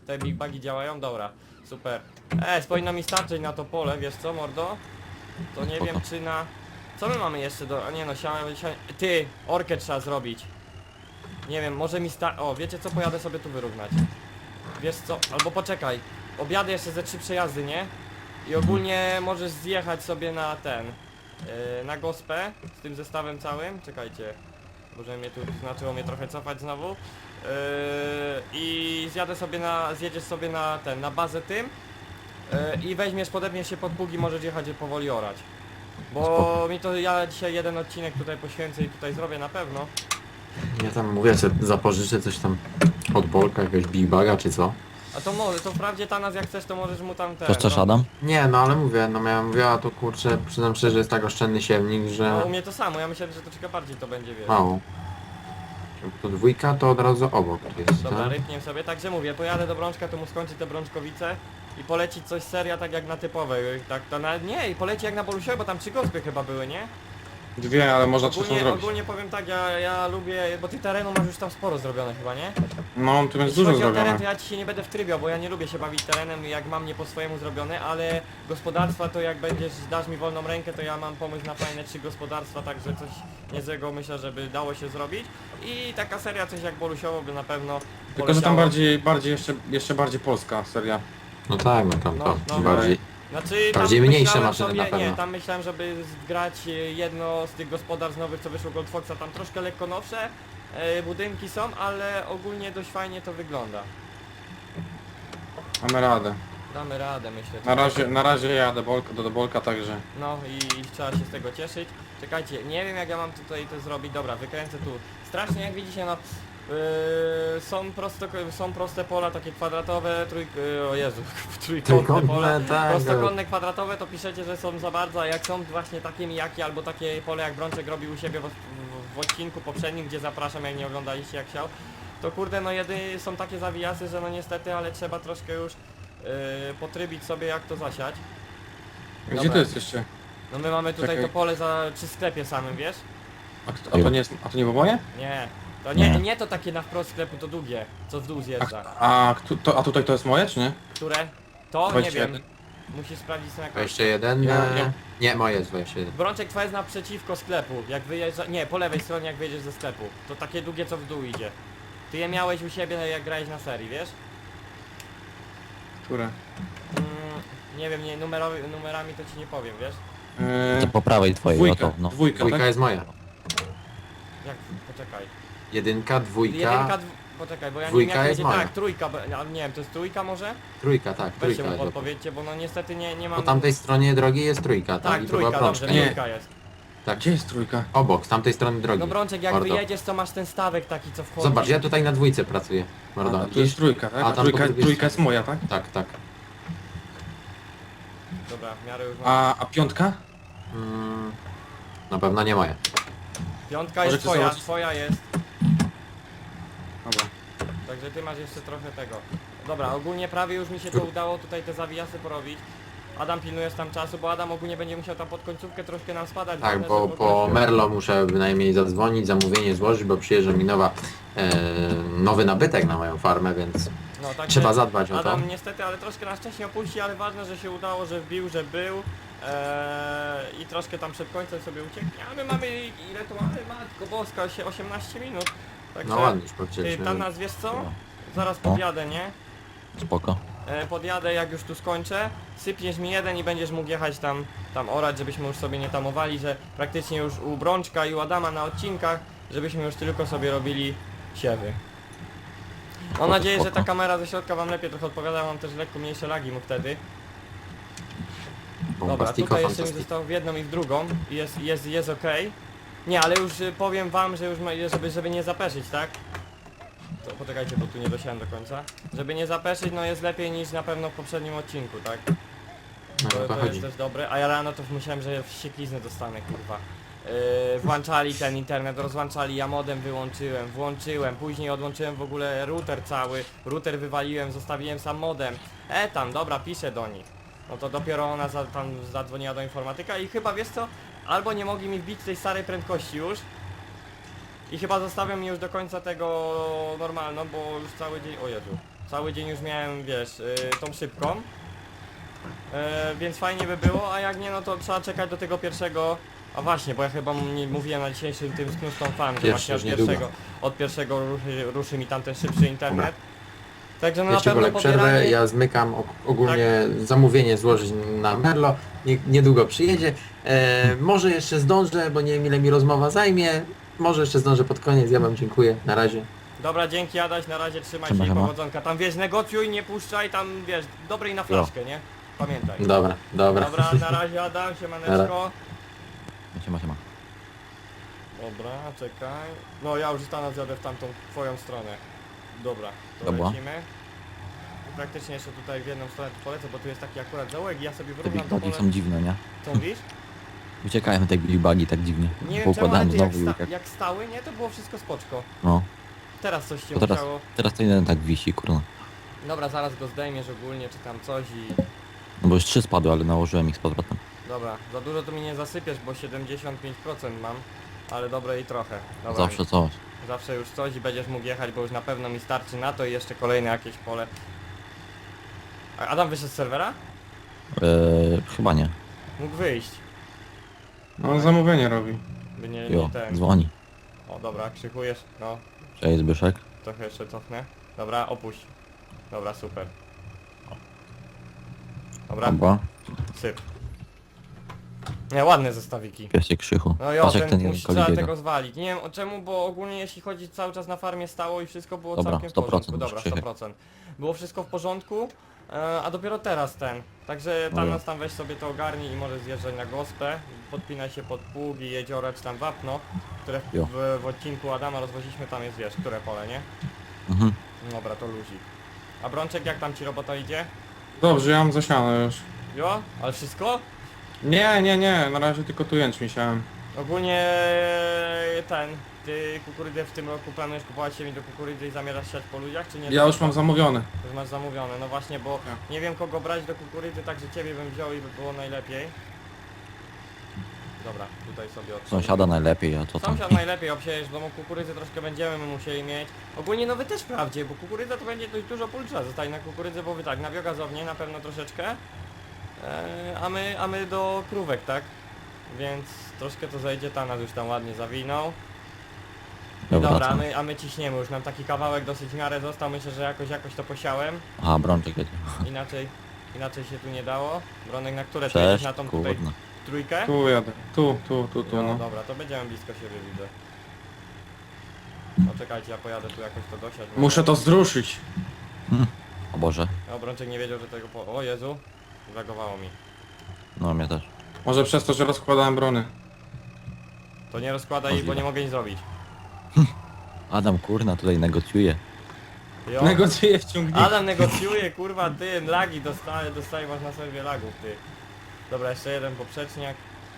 Speaker 1: Te big bagi działają? Dobra, super. E, powinno mi starczyć na to pole, wiesz co, mordo? To nie
Speaker 2: Spoko.
Speaker 1: wiem czy na... Co my mamy jeszcze do... A nie no, siałem... siałem... Ty, orkę trzeba zrobić. Nie wiem, może mi sta... O, wiecie co? Pojadę sobie tu wyrównać. Wiesz co? Albo poczekaj. Objadę jeszcze ze trzy przejazdy, nie? I ogólnie możesz zjechać sobie na ten... Yy, na gospę z tym zestawem całym. Czekajcie. Może mnie tu znaczyło mnie trochę cofać znowu. Yy, I zjadę sobie na... Zjedziesz sobie na ten... Na bazę tym. Yy, I weźmiesz, podepniesz się pod pługi, możesz jechać je powoli orać. Bo
Speaker 2: Spoko.
Speaker 1: mi to... Ja dzisiaj jeden odcinek tutaj poświęcę i tutaj zrobię na pewno.
Speaker 4: Ja tam mówię, że zapożyczę coś tam od Bolka, jakiegoś Big Baga czy co.
Speaker 1: A to może, to wprawdzie Tanas jak chcesz to możesz mu tam ten...
Speaker 2: Chcesz coś,
Speaker 1: no,
Speaker 2: Adam?
Speaker 4: Nie, no ale mówię, no miałem mówię, a to kurczę, przyznam szczerze, jest tak oszczędny siewnik, że
Speaker 1: no u mnie to samo, ja myślałem, że troszkę bardziej to będzie, wiesz.
Speaker 4: mało. To dwójka to od razu obok jest,
Speaker 1: Dobra,
Speaker 4: tak?
Speaker 1: rypniem sobie, także mówię, pojadę do Brączka, to mu skończy te Brączkowice i poleci coś seria tak jak na typowej, tak to na... Nie, i poleci jak na Bolusiowej, bo tam trzy gospy chyba były, nie?
Speaker 3: Dwie, ale można trzecią
Speaker 1: Ogólnie,
Speaker 3: zrobić.
Speaker 1: ogólnie powiem tak, ja, ja lubię, bo ty terenu masz już tam sporo zrobione chyba, nie?
Speaker 3: No, tu jest
Speaker 1: Jeśli
Speaker 3: dużo
Speaker 1: chodzi o teren,
Speaker 3: zrobione.
Speaker 1: to ja ci się nie będę wtrybiał, bo ja nie lubię się bawić terenem, jak mam nie po swojemu zrobione, ale gospodarstwa to jak będziesz, dasz mi wolną rękę, to ja mam pomysł na fajne trzy gospodarstwa, także coś niezłego myślę, żeby dało się zrobić. I taka seria coś jak Bolusiowo by na pewno
Speaker 3: Tylko, że tam
Speaker 1: poleciało.
Speaker 3: bardziej, bardziej jeszcze, jeszcze bardziej polska seria.
Speaker 4: No tak, no tam
Speaker 1: No,
Speaker 4: to
Speaker 1: no,
Speaker 4: bardziej.
Speaker 1: Znaczy,
Speaker 4: Bardziej
Speaker 1: tam
Speaker 4: mniejsze
Speaker 1: myślałem
Speaker 4: maszyny
Speaker 1: sobie,
Speaker 4: na pewno.
Speaker 1: Nie, tam myślałem, żeby zgrać e, jedno z tych gospodarstw nowych, co wyszło Goldfoxa, tam troszkę lekko nowsze e, budynki są, ale ogólnie dość fajnie to wygląda.
Speaker 3: Mamy radę.
Speaker 1: Damy radę, myślę.
Speaker 3: Na razie, na razie jadę bolka, do, do bolka, także...
Speaker 1: No i, i trzeba się z tego cieszyć. Czekajcie, nie wiem jak ja mam tutaj to zrobić. Dobra, wykręcę tu. Strasznie jak widzicie, no yy, są, prosto, są proste pola, takie kwadratowe, trój... Yy, o Jezu, trójkątne pola.
Speaker 4: Trójkątne, tak.
Speaker 1: Prostokątne, kwadratowe to piszecie, że są za bardzo, a jak są właśnie takie mijaki albo takie pole jak Brączek robił u siebie w, w, w odcinku poprzednim, gdzie zapraszam, jak nie oglądaliście jak chciał, to kurde no jedynie są takie zawijasy, że no niestety, ale trzeba troszkę już yy, potrybić sobie jak to zasiać.
Speaker 3: Gdzie
Speaker 1: Dobra.
Speaker 3: to jest jeszcze?
Speaker 1: No my mamy tutaj
Speaker 3: Czekaj.
Speaker 1: to pole za, przy sklepie samym, wiesz?
Speaker 3: A, kto- a to nie jest, a to nie było moje?
Speaker 1: Nie. To nie,
Speaker 2: Nie.
Speaker 1: nie to takie na wprost sklepu, to długie, co w dół
Speaker 3: A,
Speaker 1: zjeżdża.
Speaker 3: a, kto- to, a tutaj to jest moje, czy nie?
Speaker 1: Które? To nie
Speaker 3: dwadzieścia
Speaker 1: wiem.
Speaker 3: jeden.
Speaker 1: Musisz sprawdzić na jakoś.
Speaker 4: dwadzieścia jeden?
Speaker 3: Ja-
Speaker 4: e,
Speaker 3: ja-
Speaker 4: Nie, moje jest dwadzieścia jeden.
Speaker 1: Brączek twoja jest naprzeciwko sklepu, jak wyjeżdża... Nie, po lewej stronie jak wyjedziesz ze sklepu. To takie długie, co w dół idzie. Ty je miałeś u siebie jak grałeś na serii, wiesz?
Speaker 3: Które?
Speaker 1: Mm, nie wiem, nie, numerowi, numerami to ci nie powiem, wiesz?
Speaker 3: Yy,
Speaker 2: Po prawej twojej,
Speaker 3: dwójka,
Speaker 2: o to, no.
Speaker 3: dwójka,
Speaker 4: Dwójka
Speaker 3: tak?
Speaker 4: jest moja.
Speaker 1: Jak? Poczekaj.
Speaker 4: Jedynka, dwójka,
Speaker 1: Jedynka, dw... Poczekaj, bo ja nie wiem
Speaker 4: dwójka
Speaker 1: jak
Speaker 4: jest
Speaker 1: będzie...
Speaker 4: moja.
Speaker 1: Tak, trójka, bo- a nie wiem, to jest trójka może?
Speaker 4: trójka, tak,
Speaker 1: Weźcie
Speaker 4: trójka
Speaker 1: mu
Speaker 4: jest. Po
Speaker 1: podpowiedzcie, bo no niestety nie, nie mam...
Speaker 4: tamtej stronie drogi jest trójka, tak?
Speaker 1: Tak,
Speaker 4: I to była
Speaker 1: trójka, dobrze,
Speaker 4: prączka.
Speaker 3: Nie.
Speaker 1: trójka jest.
Speaker 4: Tak,
Speaker 3: Gdzie jest trójka?
Speaker 4: obok, z tamtej strony drogi.
Speaker 1: No Brączek, jak
Speaker 4: Mordo.
Speaker 1: wyjedziesz, to masz ten stawek taki, co wchodzi.
Speaker 4: Zobacz, ja tutaj na dwójce pracuję. Mordo,
Speaker 3: A, tu jest trójka, tak?
Speaker 4: A,
Speaker 3: A,
Speaker 4: tam
Speaker 3: trójka,
Speaker 4: po drugiej
Speaker 3: trójka jest
Speaker 4: stronie.
Speaker 3: moja, tak?
Speaker 4: Tak, tak.
Speaker 1: Dobra, w miarę już mam.
Speaker 3: A, a piątka?
Speaker 4: Mm, na pewno nie moje.
Speaker 1: Piątka jest
Speaker 3: Możecie
Speaker 1: twoja,
Speaker 3: zobaczyć.
Speaker 1: twoja jest.
Speaker 3: Dobra.
Speaker 1: Także ty masz jeszcze trochę tego. Dobra, ogólnie prawie już mi się to udało tutaj te zawijasy porobić. Adam pilnujesz tam czasu, bo Adam ogólnie będzie musiał tam pod końcówkę troszkę nam spadać.
Speaker 4: Tak,
Speaker 1: ważne,
Speaker 4: bo
Speaker 1: żeby
Speaker 4: po
Speaker 1: ogólnie-
Speaker 4: Merlo muszę bynajmniej zadzwonić, zamówienie złożyć, bo przyjeżdża mi nowa, e, nowy nabytek na moją farmę, więc
Speaker 1: No, także
Speaker 4: trzeba zadbać o to.
Speaker 1: Adam niestety, ale troszkę nas wcześniej opuści, ale ważne, że się udało, że wbił, że był. Eee, I troszkę tam przed końcem sobie ucieknie, a my mamy, ile to mamy? Matko Boska, się osiemnaście minut. Także,
Speaker 4: No ładnie już
Speaker 1: ty,
Speaker 4: powiedzieliśmy.
Speaker 1: tam nas wiesz co? Zaraz
Speaker 2: No.
Speaker 1: podjadę, nie?
Speaker 2: Spoko.
Speaker 1: E, podjadę jak już tu skończę, sypniesz mi jeden i będziesz mógł jechać tam, tam orać, żebyśmy już sobie nie tamowali, że praktycznie już u Brączka i u Adama na odcinkach, żebyśmy już tylko sobie robili siewy. Mam
Speaker 2: Spoko,
Speaker 1: nadzieję, że
Speaker 2: spoko.
Speaker 1: ta kamera ze środka wam lepiej trochę odpowiada, mam też lekko mniejsze lagi mu wtedy. Dobra,
Speaker 4: Bombastiko,
Speaker 1: tutaj jeszcze mi
Speaker 4: fantastyko.
Speaker 1: zostało w jedną i w drugą i jest, jest, jest ok. Nie, ale już y, powiem wam, że już ma, żeby, żeby nie zapeszyć, tak? To poczekajcie, bo tu nie dosiałem do końca. Żeby nie zapeszyć, no jest lepiej niż na pewno w poprzednim odcinku, tak?
Speaker 4: No,
Speaker 1: To,
Speaker 4: o to
Speaker 1: to
Speaker 4: chodzi.
Speaker 1: jest też dobre, a ja rano to myślałem, że wścieklizny dostanę, kurwa. Yy, włączali ten internet, rozłączali, ja modem wyłączyłem, włączyłem, później odłączyłem w ogóle router cały, router wywaliłem, zostawiłem sam modem. E tam, dobra, piszę do nich. No to dopiero ona za, tam zadzwoniła do informatyka i chyba, wiesz co, albo nie mogli mi wbić tej starej prędkości już i chyba zostawią mi już do końca tego normalną, bo już cały dzień, o Jezu. Cały dzień już miałem, wiesz, y, tą szybką. E, więc fajnie by było, a jak nie, no to trzeba czekać do tego pierwszego. A właśnie, bo ja chyba m- nie mówiłem na dzisiejszym tym Snuston Farm, że
Speaker 4: Pierwszy,
Speaker 1: właśnie od
Speaker 4: już niedługo.
Speaker 1: pierwszego, od pierwszego ruszy, ruszy mi tam ten szybszy internet. Także no na
Speaker 4: Wiecie,
Speaker 1: pewno
Speaker 4: wolę przerwę,
Speaker 1: pobieranie...
Speaker 4: ja zmykam og- ogólnie zamówienie złożyć na Merlo, nie, niedługo przyjedzie. E, może jeszcze zdążę, bo nie wiem ile mi rozmowa zajmie. Może jeszcze zdążę pod koniec, ja wam dziękuję, na razie.
Speaker 1: Dobra, dzięki Adaś, na razie trzymaj
Speaker 2: Siema,
Speaker 1: się i
Speaker 2: siema.
Speaker 1: powodzonka. Tam wiesz, negocjuj, nie puszczaj, tam wiesz, dobrej na flaszkę, nie? Pamiętaj.
Speaker 4: Dobra, dobra.
Speaker 1: Dobra, na razie Adam, siemaneczko.
Speaker 2: Siema, siema.
Speaker 1: Dobra, czekaj. No ja już stanę zjadę w tamtą twoją stronę. Dobra, to
Speaker 2: Dobra.
Speaker 1: lecimy. I praktycznie jeszcze tutaj w jedną stronę tu polecę, bo tu jest taki akurat zaułek i ja sobie
Speaker 2: Te
Speaker 1: wyrównam to
Speaker 2: big
Speaker 1: pole.
Speaker 2: są dziwne, nie?
Speaker 1: Co mówisz?
Speaker 2: Uciekają te big bugi tak dziwnie.
Speaker 1: Nie wiem czemu, ale
Speaker 2: Poukładałem
Speaker 1: ty jak,
Speaker 2: znowu i
Speaker 1: sta
Speaker 2: tak.
Speaker 1: jak stały, nie? To było wszystko spoczko.
Speaker 2: No.
Speaker 1: Teraz coś cię
Speaker 2: To teraz,
Speaker 1: musiało...
Speaker 2: teraz to jeden tak wisi, kurwa.
Speaker 1: Dobra, zaraz go zdejmiesz ogólnie, czy tam coś i...
Speaker 2: No bo już trzy spadły, ale nałożyłem ich z powrotem.
Speaker 1: Dobra, za dużo tu mi nie zasypiesz, bo siedemdziesiąt pięć procent mam. Ale dobre i trochę. Dobra,
Speaker 2: Zawsze coś.
Speaker 1: zawsze już coś i będziesz mógł jechać, bo już na pewno mi starczy na to i jeszcze kolejne jakieś pole. A Adam wyszedł z serwera?
Speaker 2: Eee, chyba nie.
Speaker 1: Mógł wyjść.
Speaker 3: No on zamówienie robi.
Speaker 1: By nie,
Speaker 2: Jo,
Speaker 1: nie ten.
Speaker 2: dzwoni.
Speaker 1: O dobra, krzykujesz. No,
Speaker 2: Cześć Zbyszek.
Speaker 1: trochę jeszcze cofnę. Dobra, opuść. Dobra, super. Dobra,
Speaker 2: Dobra.
Speaker 1: syp. Nie, ładne zestawiki.
Speaker 2: Piesek krzychu.
Speaker 1: No jo,
Speaker 2: Patrz jak
Speaker 1: ten,
Speaker 2: ten jeden
Speaker 1: musi, trzeba
Speaker 2: kolibie
Speaker 1: tego zwalić. Nie wiem o czemu, bo ogólnie jeśli chodzi cały czas na farmie stało i wszystko było
Speaker 2: Dobra,
Speaker 1: całkiem w
Speaker 2: sto procent
Speaker 1: porządku. Dobra,
Speaker 2: muszę
Speaker 1: sto procent. Było wszystko w porządku, e, a dopiero teraz ten. Także tam
Speaker 2: No jo.
Speaker 1: nas tam weź sobie to ogarnij i możesz zjeżdżać na gospę. Podpinaj się pod pługi, jeziora czy tam wapno, które w,
Speaker 2: Jo.
Speaker 1: w, w odcinku Adama rozwoziliśmy, tam jest wiesz, które pole, nie?
Speaker 2: Mhm.
Speaker 1: Dobra, to luzik. A Brączek, jak tam ci robota idzie?
Speaker 3: Dobrze, ja mam zasiane już.
Speaker 1: Jo? Ale wszystko?
Speaker 3: Nie, nie, nie, na razie tylko tu jęczmień siałem.
Speaker 1: Ogólnie ten, ty kukurydzę w tym roku planujesz kupować się mi do kukurydzy i zamierzasz siać po ludziach, czy nie?
Speaker 3: Ja już mam zamówione.
Speaker 1: Już masz zamówione, no właśnie, bo
Speaker 3: Tak.
Speaker 1: nie wiem kogo brać do kukurydzy, także ciebie bym wziął i by było najlepiej. Dobra, tutaj sobie od
Speaker 2: Sąsiada najlepiej, a co tam?
Speaker 1: Sąsiad najlepiej obsiejesz, bo kukurydzy troszkę będziemy my musieli mieć. Ogólnie no wy też wprawdzie, bo kukurydza to będzie dość dużo pól trzeba zostać na kukurydzę, bo wy tak, na biogazownię na pewno troszeczkę, e, a my, a my do krówek, tak? Więc troszkę to zejdzie, Tanas już tam ładnie zawinął. I
Speaker 2: Dobra,
Speaker 1: dobra, a
Speaker 2: co?
Speaker 1: my, a my ciśniemy, już nam taki kawałek dosyć w miarę został, myślę, że jakoś jakoś to posiałem.
Speaker 2: Aha, Brączek jedzie.
Speaker 1: Inaczej, inaczej się tu nie dało. Bronek, na które ty jedziesz?
Speaker 2: Cześć,
Speaker 1: Na tą tutaj
Speaker 2: kurna.
Speaker 1: trójkę?
Speaker 3: Tu jadę. Tu, tu, tu, tu,
Speaker 1: No,
Speaker 3: no.
Speaker 1: dobra, to będziemy blisko siebie, widzę. No czekajcie, ja pojadę tu jakoś to dosiać.
Speaker 3: Muszę to zruszyć.
Speaker 2: O Boże.
Speaker 1: No, Brączek nie wiedział, że tego po... O Jezu, zagowało mi.
Speaker 2: No mnie też.
Speaker 3: Może przez to, że rozkładałem brony.
Speaker 1: To nie rozkładaj, bo
Speaker 2: Możliwe.
Speaker 1: nie mogę nic zrobić.
Speaker 2: Adam kurna tutaj negocjuje.
Speaker 1: Jo.
Speaker 3: Negocjuję w ciągniku.
Speaker 1: Adam negocjuje, kurwa, ty, lagi dostaje, dostaje masz na serwie lagów, ty. Dobra, jeszcze jeden poprzeczniak.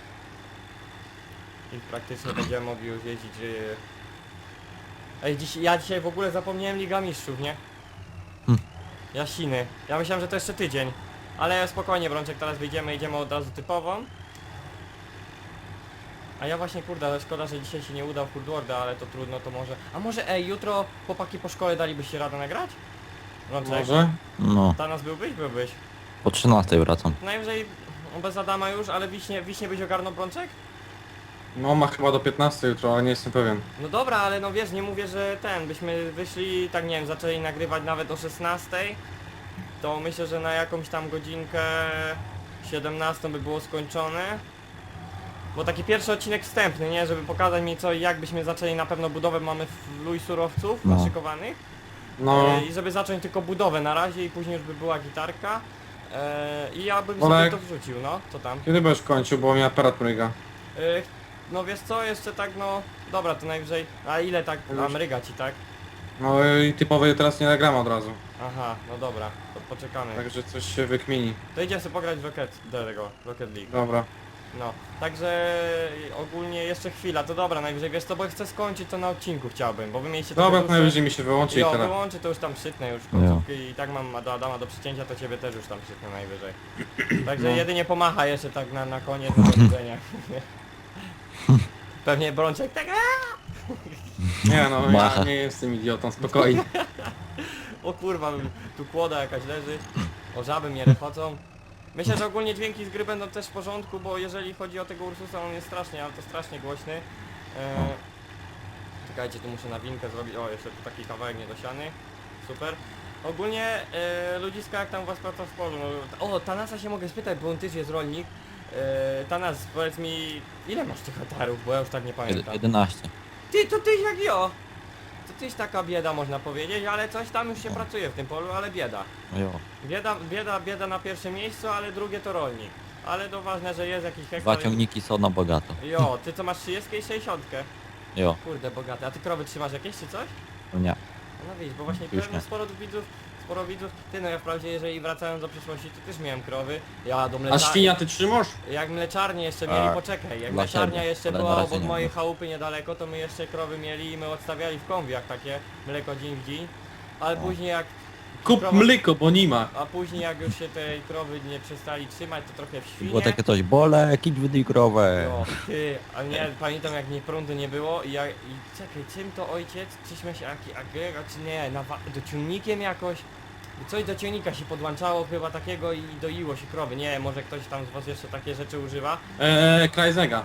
Speaker 1: I praktycznie będziemy mogli już jeździć... Yy... Ej, dziś, ja dzisiaj w ogóle zapomniałem Liga Mistrzów, nie?
Speaker 2: Hm.
Speaker 1: Jasiny. Ja myślałem, że to jeszcze tydzień. Ale spokojnie, Brączek, teraz wyjdziemy, idziemy od razu typową. A ja właśnie, kurde, ale szkoda, że dzisiaj się nie udał w Hurdworda, ale to trudno, to może... A może, ej, jutro chłopaki po szkole dalibyście radę nagrać? Brączek?
Speaker 3: Może?
Speaker 2: No,
Speaker 1: Tanas byłbyś? Byłbyś.
Speaker 2: po trzynastej wracam.
Speaker 1: Najwyżej no, bez Adama już, ale wiśnie, wiśnie byś ogarnął Brączek?
Speaker 3: No ma chyba do piętnastej jutro, ale nie jestem pewien.
Speaker 1: No dobra, ale no wiesz, nie mówię, że ten, byśmy wyszli, tak nie wiem, zaczęli nagrywać nawet o szesnastej, to myślę, że na jakąś tam godzinkę siedemnastą by było skończone. Bo taki pierwszy odcinek wstępny, nie? Żeby pokazać mi co i jak byśmy zaczęli, na pewno budowę mamy w luj surowców
Speaker 2: No.
Speaker 1: naszykowanych.
Speaker 3: No,
Speaker 1: E, I żeby zacząć tylko budowę na razie i później już by była gitarka. E, I ja bym
Speaker 3: Olek.
Speaker 1: sobie to wrzucił, no, co tam?
Speaker 3: kiedy będziesz kończył, bo mi aparat mryga.
Speaker 1: E, no wiesz co, jeszcze tak no, dobra to najwyżej, a ile tak, a
Speaker 3: Już.
Speaker 1: mryga ci tak?
Speaker 3: No i typowej teraz nie nagram od razu.
Speaker 1: Aha, no dobra, to poczekamy.
Speaker 3: Także coś się wykmini.
Speaker 1: To idziemy sobie pograć w Rocket, do tego, Rocket League.
Speaker 3: Dobra.
Speaker 1: No, także ogólnie jeszcze chwila, to dobra, najwyżej wiesz co, bo chcę skończyć to na odcinku chciałbym, bo wy mieliście
Speaker 3: Dobra,
Speaker 1: trochę
Speaker 3: to
Speaker 1: dłuższe-
Speaker 3: najwyżej mi się wyłączy i
Speaker 1: Jo,
Speaker 3: teraz.
Speaker 1: wyłączy to już tam przytnę już końcówki i tak mam do Adama do przycięcia, to ciebie też już tam przytnę najwyżej. Także
Speaker 3: No.
Speaker 1: jedynie pomacha jeszcze tak na, na koniec do widzenia. Pewnie Brączek tak aaa!
Speaker 3: Nie no, ja
Speaker 2: Macha.
Speaker 3: nie jestem idiotą, spokojnie.
Speaker 1: O kurwa, tu kłoda jakaś leży. O, żaby mnie rechocą. Myślę, że ogólnie dźwięki z gry będą też w porządku, bo jeżeli chodzi o tego Ursusa, on jest strasznie, ale to strasznie głośny. E, czekajcie, tu muszę nawinkę zrobić. O, jeszcze tu taki kawałek niedosiany. Super. Ogólnie e, ludziska, jak tam u was praca w polu? No, o, Tanasa się mogę spytać, bo on też jest rolnik. E, Tanas, powiedz mi, ile masz tych hektarów, bo ja już tak nie
Speaker 2: Jed
Speaker 1: pamiętam.
Speaker 2: jedenaście.
Speaker 1: Ty, to tyś jak jo! To tyś taka bieda, można powiedzieć, ale coś tam już się pracuje w tym polu, ale bieda.
Speaker 2: No jo.
Speaker 1: Bieda, bieda, bieda na pierwszym miejscu, ale drugie to rolnik. Ale to ważne, że jest jakiś hektar.
Speaker 2: Dwa ciągniki są na bogato.
Speaker 1: Jo, ty co masz trzydzieści i sześćdziesiąt?
Speaker 2: Jo,
Speaker 1: Kurde, bogate. A ty krowy trzymasz jakieś czy coś?
Speaker 2: no nie.
Speaker 1: No widzisz, bo właśnie
Speaker 2: Już
Speaker 1: pewnie
Speaker 2: nie.
Speaker 1: sporo widzów, sporo widzów. Ty no ja wprawdzie, jeżeli wracając do przyszłości, to też miałem krowy. Ja do
Speaker 3: A
Speaker 1: mleczarni.
Speaker 3: świnia ty trzymasz?
Speaker 1: Jak mleczarnię jeszcze mieli,
Speaker 2: Tak.
Speaker 1: poczekaj, jak
Speaker 2: Dla
Speaker 1: mleczarnia
Speaker 2: siebie,
Speaker 1: jeszcze
Speaker 2: ale
Speaker 1: była
Speaker 2: na razie
Speaker 1: obok
Speaker 2: nie
Speaker 1: mojej
Speaker 2: ma.
Speaker 1: chałupy niedaleko, to my jeszcze krowy mieli i my odstawiali w konwiach takie mleko dzień w dzień. Ale później jak
Speaker 3: Kup
Speaker 1: krowa-
Speaker 3: mleko, bo nie ma.
Speaker 1: A później jak już się tej krowy nie przestali trzymać, to trochę w świnie.
Speaker 2: Było takie coś, Bolek, idź wydyj krowę.
Speaker 1: No, ty, ale nie, pamiętam jak nie prądu nie było i ja, i czekaj, czym to ojciec? Czyśmy się jaki agregat, czy nie, na, dociągnikiem jakoś? Coś do ciągnika się podłączało chyba takiego i doiło się krowy, nie, może ktoś tam z was jeszcze takie rzeczy używa?
Speaker 3: Eee, Krajzega.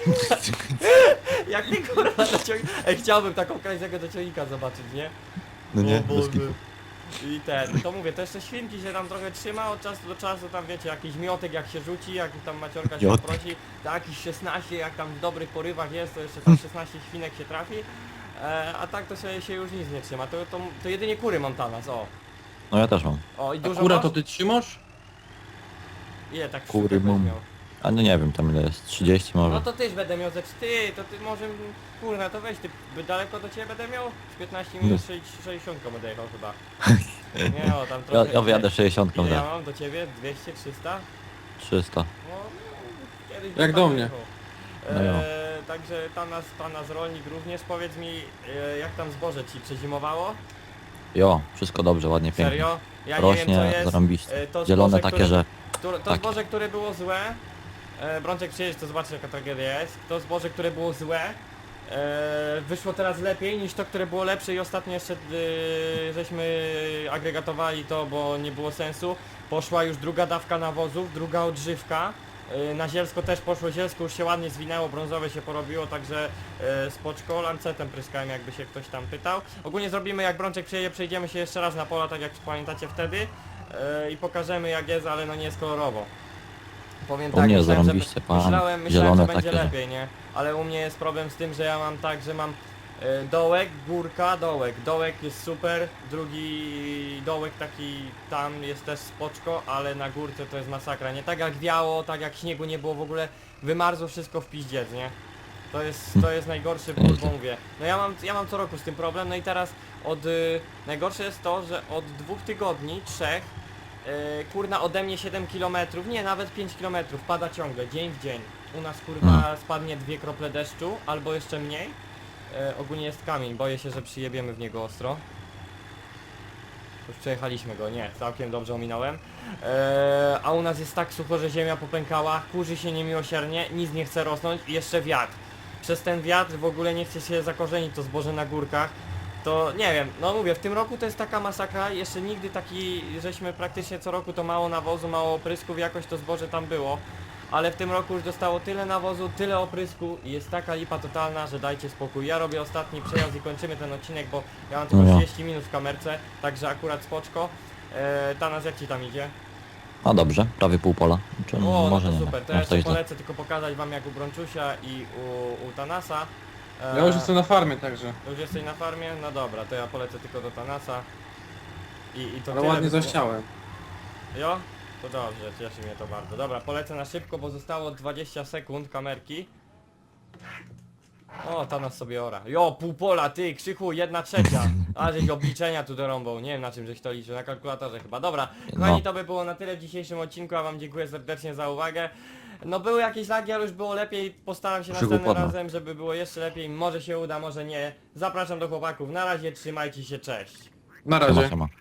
Speaker 1: Jak ty kurwa do ciągnika? Ej, chciałbym taką krajzego do ciągnika zobaczyć, nie?
Speaker 2: No nie,
Speaker 1: O
Speaker 2: bez
Speaker 1: Boże.
Speaker 2: kitu.
Speaker 1: I ten, to mówię, to jeszcze świnki się tam trochę trzyma, od czasu do czasu tam wiecie, jakiś miotek jak się rzuci, jak tam maciorka się
Speaker 2: Miotek.
Speaker 1: prosi, to jakiś szesnaście, jak tam w dobrych porywach jest, to jeszcze tam szesnaście świnek się trafi, e, a tak to się, się już nic nie trzyma, to, to, to jedynie kury mam Tanas, o.
Speaker 2: No ja też mam.
Speaker 1: O i
Speaker 3: A
Speaker 1: dużo
Speaker 3: kura
Speaker 1: masz?
Speaker 3: to ty trzymasz?
Speaker 1: Ile tak
Speaker 2: Kury
Speaker 1: sztukę
Speaker 2: mam.
Speaker 1: byś miał?
Speaker 2: A no nie wiem, tam ile jest, trzydzieści może.
Speaker 1: No to tyś będę miał ze czty, to ty może, kurna, to weź, ty by daleko do ciebie będę miał? Z piętnaście minut sześćdziesiąt będę jechał chyba. Nie o, tam
Speaker 2: Ja,
Speaker 1: trochę...
Speaker 2: ja wyjadę sześćdziesiąt
Speaker 1: Ile ja
Speaker 2: za
Speaker 1: mam do ciebie? dwieście, trzysta?
Speaker 2: trzysta.
Speaker 1: No, no, kiedyś
Speaker 3: Jak
Speaker 1: bym
Speaker 3: do
Speaker 1: tam
Speaker 3: mnie.
Speaker 1: jechał.
Speaker 2: No jo.
Speaker 1: E, także ta nas, ta nas rolnik również, powiedz mi, e, jak tam zboże ci przezimowało?
Speaker 2: Jo, wszystko dobrze, ładnie, pięknie.
Speaker 1: Serio? Ja nie wiem co
Speaker 2: Rośnie,
Speaker 1: jest.
Speaker 2: zarąbiście.
Speaker 1: E, to
Speaker 2: Zielone
Speaker 1: zboże,
Speaker 2: takie,
Speaker 1: które,
Speaker 2: że...
Speaker 1: które, To
Speaker 2: takie.
Speaker 1: zboże, które było złe, e, Brączek przyjedź, to zobaczysz jaka tragedia jest. To zboże, które było złe, e, wyszło teraz lepiej niż to, które było lepsze i ostatnio jeszcze e, żeśmy agregatowali to, bo nie było sensu. Poszła już druga dawka nawozów, druga odżywka. E, Na zielsko też poszło, zielsko już się ładnie zwinęło, brązowe się porobiło, także e, spoczko, lancetem pryskałem, jakby się ktoś tam pytał. Ogólnie zrobimy, jak Brączek przyjedzie, przejdziemy się jeszcze raz na pola, tak jak pamiętacie wtedy e, i pokażemy jak jest, ale no nie jest kolorowo. Powiem
Speaker 2: U
Speaker 1: tak,
Speaker 2: mnie
Speaker 1: myślałem, że,
Speaker 2: zarąbiście, pan.
Speaker 1: myślałem, myślałem
Speaker 2: Zielone
Speaker 1: że będzie
Speaker 2: takie, że-
Speaker 1: lepiej, nie? Ale u mnie jest problem z tym, że ja mam tak, że mam e, dołek, górka, dołek. Dołek jest super, drugi dołek taki tam jest też spoczko, ale na górce to jest masakra, nie? Tak jak wiało, tak jak śniegu nie było w ogóle, wymarzło wszystko w piździec, nie? To jest, to jest najgorszy ból, bo mówię. No ja mam, ja mam co roku z tym problem, no i teraz od... Y, najgorsze jest to, że od dwóch tygodni, trzech, y, kurna ode mnie siedem kilometrów, nie, nawet pięć kilometrów, pada ciągle, dzień w dzień. U nas kurwa spadnie dwie krople deszczu, albo jeszcze mniej. Y, ogólnie jest kamień, boję się, że przyjebiemy w niego ostro. Już przejechaliśmy go, nie, całkiem dobrze ominąłem. Eee, a u nas jest tak sucho, że ziemia popękała, kurzy się niemiłosiernie, nic nie chce rosnąć i jeszcze wiatr. Przez ten wiatr w ogóle nie chce się zakorzenić to zboże na górkach. To nie wiem, no mówię, w tym roku to jest taka masakra, jeszcze nigdy taki, żeśmy praktycznie co roku to mało nawozu, mało oprysków, jakoś to zboże tam było. Ale w tym roku już dostało tyle nawozu, tyle oprysku i jest taka lipa totalna, że dajcie spokój. Ja robię ostatni przejazd i kończymy ten odcinek, bo ja mam tylko
Speaker 2: No ja.
Speaker 1: trzydzieści minut w kamerce, także akurat spoczko. Eee, Tanas, jak ci tam idzie?
Speaker 2: No dobrze, prawie pół pola. Czy
Speaker 1: O, no
Speaker 2: może
Speaker 1: to
Speaker 2: nie.
Speaker 1: super, to
Speaker 2: no,
Speaker 1: ja jeszcze
Speaker 2: coś za-
Speaker 1: polecę tylko pokazać wam jak u Brączusia i u, u Tanasa. Eee,
Speaker 3: Ja już jestem na farmie, także.
Speaker 1: Już jesteś na farmie? No dobra, to ja polecę tylko do Tanasa. I, i to
Speaker 3: Ale
Speaker 1: tyle
Speaker 3: ładnie
Speaker 1: by było.
Speaker 3: zaściałem.
Speaker 1: Jo? To dobrze, cieszy mnie to bardzo. Dobra, polecę na szybko, bo zostało dwadzieścia sekund kamerki. O, Tanas sobie ora. Jo, pół pola, ty, Krzychu, jedna trzecia. A żeś obliczenia tu dorąbał. Nie wiem na czym żeś to liczył, na kalkulatorze chyba. Dobra, kochani,
Speaker 2: No.
Speaker 1: to by było na tyle w dzisiejszym odcinku, a wam dziękuję serdecznie za uwagę. No były jakieś lagi, ale już było lepiej. Postaram się
Speaker 2: Krzychu
Speaker 1: następnym
Speaker 2: podno.
Speaker 1: razem, żeby było jeszcze lepiej. Może się uda, może nie. Zapraszam do chłopaków. Na razie, trzymajcie się, cześć.
Speaker 3: Na
Speaker 2: Siema,
Speaker 3: razie.
Speaker 2: siema.